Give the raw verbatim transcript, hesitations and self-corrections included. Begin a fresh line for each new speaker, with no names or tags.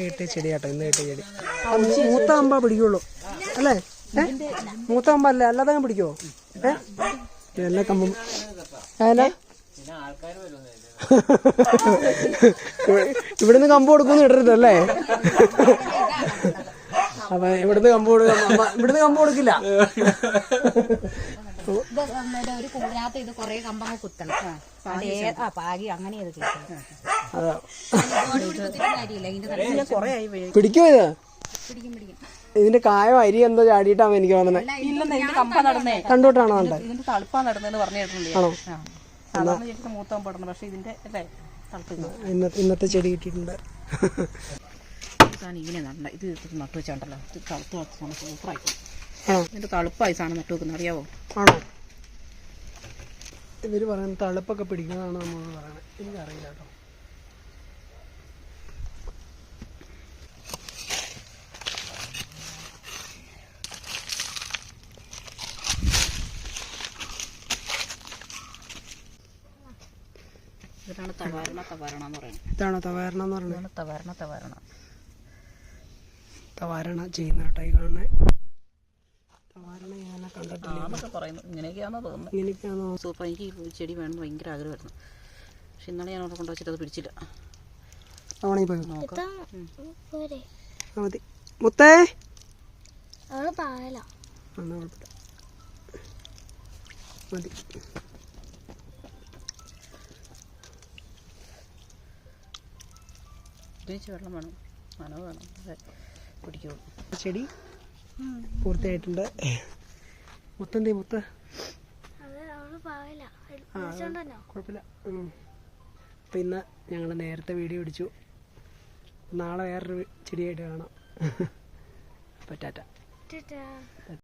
കിട്ടിയ ചെടി കേട്ടോ, ഇന്ന് കിട്ടിയ ചെടി. മൂത്ത അമ്പ പിടിക്കുള്ളൂ അല്ലേ? ഏഹ് മൂത്ത അമ്പ അല്ലേ, അല്ലാതെ ഞാൻ പിടിക്കുവോ? ഏഹ് എല്ലാ കമ്പും ഏനാ ഇവിടുന്ന് കമ്പ് കൊടുക്കുമെന്ന് ഇടരുതല്ലേ? അപ്പൊ ഇവിടുന്ന് കമ്പ് കൊടുക്കാം, ഇവിടുന്ന് കമ്പ് കൊടുക്കില്ല.
ഒരു കൂടിനകത്ത് ഇത് കൊറേ കമ്പങ്ങ കുത്തണം, പാകി അങ്ങനെ
പിടിക്കോ ഇത്? ഇതിന്റെ കായോ അരി എന്തോ ചാടിയിട്ടാണ് എനിക്ക് തോന്നുന്നത്. കണ്ടോട്ടാണോ?
ഇതിന്റെ തളുപ്പാ നടന്നെന്ന് പറഞ്ഞു കേട്ടിട്ടുണ്ട്.
ആണോ?
മൂത്താൻ പെടണം, പക്ഷെ ഇതിന്റെ അല്ലേ
ഇന്നത്തെ ചെടി കിട്ടിയിട്ടുണ്ട്.
ഇങ്ങനെ നടണ്ട ഇത് നട്ടു വെച്ചാണ്ടല്ലോ, ഇത് തളുത്ത് സൂപ്പറായി. ഇതിന്റെ തളുപ്പായി സാധനം നട്ടു വെക്കുന്നത് അറിയാവോ?
ആണോ? ഇവര് പറയുന്നത് തളുപ്പൊക്കെ പിടിക്കുന്നതാണ് നമ്മളോട് പറയണത്. എനിക്കറിയില്ല കേട്ടോ.
ഇതാണ് തവാരണ തവാരണ എന്ന് പറയുന്നത്.
ഇതാണോ തവാരണ എന്ന് പറയുന്നത്?
തവാരണ തവാരണ
തവാരണ ചെയ്യുന്ന കേട്ടോ ഈ കാണുന്നത്. തവാരണ ഞാൻ കണ്ടിട്ടില്ല
പറയുന്നു. ഇങ്ങനെയൊക്കെയാണെന്ന് തോന്നുന്നു.
ഇങ്ങനെയൊക്കെയാണോ?
സൂപ്പർ. എനിക്ക് ഈ ചെടി വേണമെന്ന് ഭയങ്കര ആഗ്രഹമായിരുന്നു, പക്ഷെ ഇന്നലെ ഞാൻ അവിടെ കൊണ്ടുവച്ചിട്ട് അത് പിടിച്ചില്ല.
തവണ പോയി മതി. മുത്തേ മതി.
വെള്ളം വേണം, നനവ് വേണം, പിടിക്കുള്ളൂ.
ചെടി പൂർത്തിയായിട്ടുണ്ട്. മുത്തന്തേ മുത്ത കുഴപ്പമില്ല. അപ്പം ഇന്ന് ഞങ്ങൾ നേരത്തെ വീഡിയോ പിടിച്ചു. നാളെ വേറൊരു ചെടിയായിട്ട് കാണാം. അപ്പം ടാറ്റ.